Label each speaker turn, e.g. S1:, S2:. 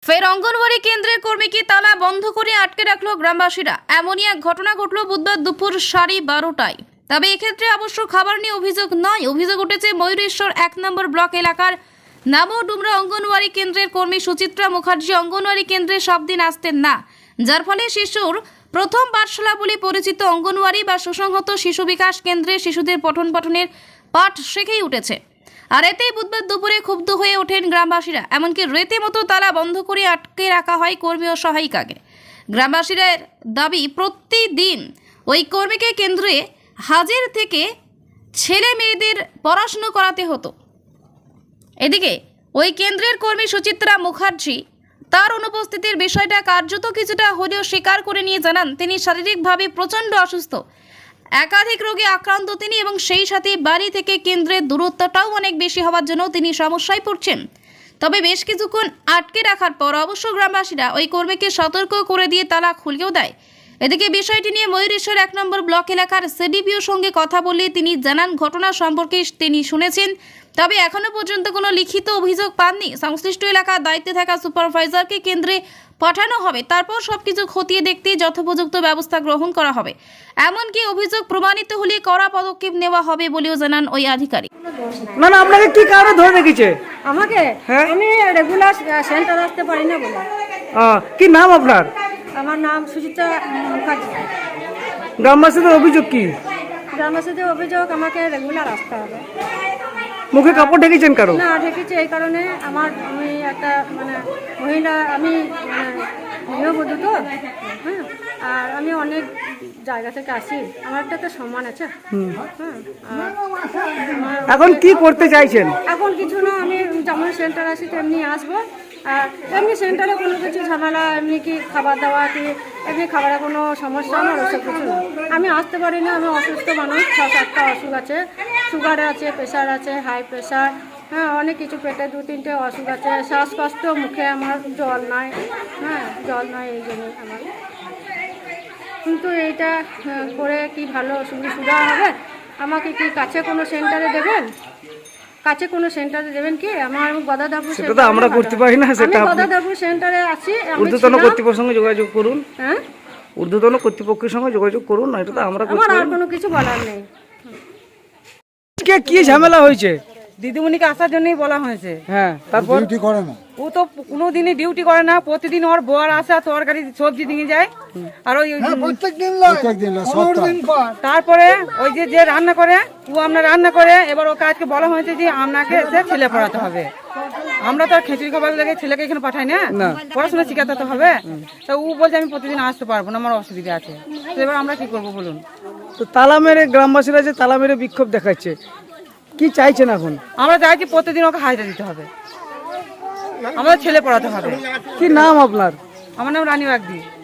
S1: ফের অঙ্গনওয়াড়ি কেন্দ্রের কর্মীকে তালা বন্ধ করে আটকে রাখলো গ্রামবাসীরা। এমনই এক ঘটনা ঘটলো বুধবার দুপুর 12:30টায়। তবে এক্ষেত্রে অবশ্য খাবার নিয়ে অভিযোগ নয়, অভিযোগ উঠেছে ময়ূরেশ্বর 1 নম্বর ব্লক এলাকার নামডুমরা অঙ্গনওয়াড়ি কেন্দ্রের কর্মী সুচিত্রা মুখার্জি অঙ্গনওয়াড়ি কেন্দ্রে সব দিন আসতেন না, যার ফলে শিশুর প্রথম পাঠশালা বলে পরিচিত অঙ্গনওয়াড়ি বা সুসংহত শিশু বিকাশ কেন্দ্রে শিশুদের পঠন পাঠনের পাঠ শিখেই উঠেছে। আর এতেই বুধবার দুপুরে ক্ষুব্ধ হয়ে ওঠেন গ্রামবাসীরা। এমনকি রীতিমতো তালা বন্ধ করে আটকে রাখা হয় কর্মী ও সহায়িকাকে। গ্রামবাসীরা দাবি, প্রতিদিন ওই কর্মীকে কেন্দ্রে হাজির থেকে ছেলে মেয়েদের পড়াশুনো করাতে হতো। এদিকে ওই কেন্দ্রের কর্মী সুচিত্রা মুখার্জি তার অনুপস্থিতির বিষয়টা কার্যত কিছুটা হলেও স্বীকার করে নিয়ে জানান, তিনি শারীরিকভাবে প্রচণ্ড অসুস্থ, একাধিক রোগে আক্রান্ত তিনি, এবং সেই সাথে বাড়ি থেকে কেন্দ্রের দূরত্বটাও অনেক বেশি হওয়ার জন্য তিনি সমস্যায় পড়ছেন। তবে বেশ কিছুক্ষণ আটকে রাখার পর অবশ্য গ্রামবাসীরা ওই কর্মীকে সতর্ক করে দিয়ে তালা খুলেও দেয়। এদিকে বিষয়টি নিয়ে ময়ূরেশ্বর 1 নম্বর ব্লক এলাকার সিডিপিওর সঙ্গে কথা বলে তিনি জানান, ঘটনা সম্পর্কে তিনি শুনেছেন, তবে এখনো পর্যন্ত কোনো লিখিত অভিযোগ পাননি। সংশ্লিষ্ট এলাকার দায়িত্বে থাকা সুপারভাইজারকে কেন্দ্রে পাঠানো হবে, তারপর সবকিছু খতিয়ে দেখতে যথোপযুক্ত ব্যবস্থা গ্রহণ করা হবে। এমনকি অভিযোগ প্রমাণিত হলে কড়া পদক্ষেপ নেওয়া হবে বলেও জানান ওই আধিকারিক।
S2: না না, আপনাকে কি কারণে ধরে রেখেছে?
S3: আমাকে
S2: হ্যাঁ?
S3: আমি রেগুলার সেন্টার আসতে পারি না বলে।
S2: কি নাম আপনার?
S3: আমার নাম সুচিত্রা মুখার্জি।
S2: গ্রামবাসীদের অভিযোগ কি?
S3: গ্রামবাসীদের অভিযোগ আমাকে রেগুলার আসতে হবে।
S2: মুখে কাপড় ঢেকেছেন কারো?
S3: না ঢেকেছি এই কারণে, আমি একটা মহিলা, আমি গৃহবধূ তো, হ্যাঁ, আর আমি অনেক জায়গা থেকে আসি, আমার একটা তো সম্মান আছে।
S2: এখন কি করতে চাইছেন?
S3: এখন কিছু না, আমি যেমন সেন্টার আসি তেমনি আসবো। আর এমনি সেন্টারে কোনো কিছু ঝামেলা, এমনি কি খাবার দাওয়া কি এমনি খাবারে কোনো সমস্যা আমার ওসব কিছু না। আমি আসতে পারি না, আমি অসুস্থ মানুষ, 6-7টা অসুখ আছে, সুগার আছে, প্রেশার আছে, হাই প্রেশার, হ্যাঁ, অনেক কিছু, পেটে 2-3টে অসুখ আছে, শ্বাসকষ্ট, মুখে আমার জল নাই, হ্যাঁ, জল নাই, এই জন্যই আমার। কিন্তু এইটা করে কি ভালো সুবিধা হবে? আমাকে কি কাছে কোনো সেন্টারে দেবেন? কাছে কোনো সেন্টারে দেবেন কি? আমার গদাধাপুর
S2: সেটা তো আমরা করতে পারি না, সেটা
S3: আমি গদাধাপুর সেন্টারে আছি।
S2: ঊর্ধ্বতন কর্তৃপক্ষের সঙ্গে যোগাযোগ করুন।
S3: হ্যাঁ,
S2: ঊর্ধ্বতন কর্তৃপক্ষের সঙ্গে যোগাযোগ করুন, এটা তো আমরা করতে
S3: আমার আর
S2: পারি না।
S3: কোনো কিছু বলার নেই।
S2: আজকে কি ঝামেলা হয়েছে?
S4: দিদিমণিকে আসার জন্যই বলা হয়েছে।
S2: হ্যাঁ, তারপর
S5: ডিউটি করে না।
S4: ও তো কোনোদিনই ডিউটি করে না, প্রতিদিন ওর বোয়ার আসা তরকারি সবজি নিয়ে যায়। আর ওই
S5: প্রত্যেকদিন
S4: তারপরে ওই যে রান্না করে, ও আপনার রান্না করে, এবার ওকে আজকে বলা হয়েছে যে আপনাকে এসে ছেলে পড়াতে হবে। আমরা তো আর খিচুড়ি খাবার লেগে ছেলেকে এখানে পাঠাই না, পড়াশোনা শিখাতে তো হবে। তো ও বলছে আমি প্রতিদিন আসতে পারবো না, আমার অসুবিধা আছে। তো এবার আমরা কি করবো বলুন?
S2: তো তালা মেরে গ্রামবাসীরা যে তালা মেরে বিক্ষোভ দেখাচ্ছে, কি চাইছেন এখন?
S4: আমরা চাইছি প্রতিদিন ওকে হাজিরা দিতে হবে, আমাদের ছেলে পড়াতে হবে।
S2: কি নাম আপনার?
S4: আমার নাম রানী বাগদি।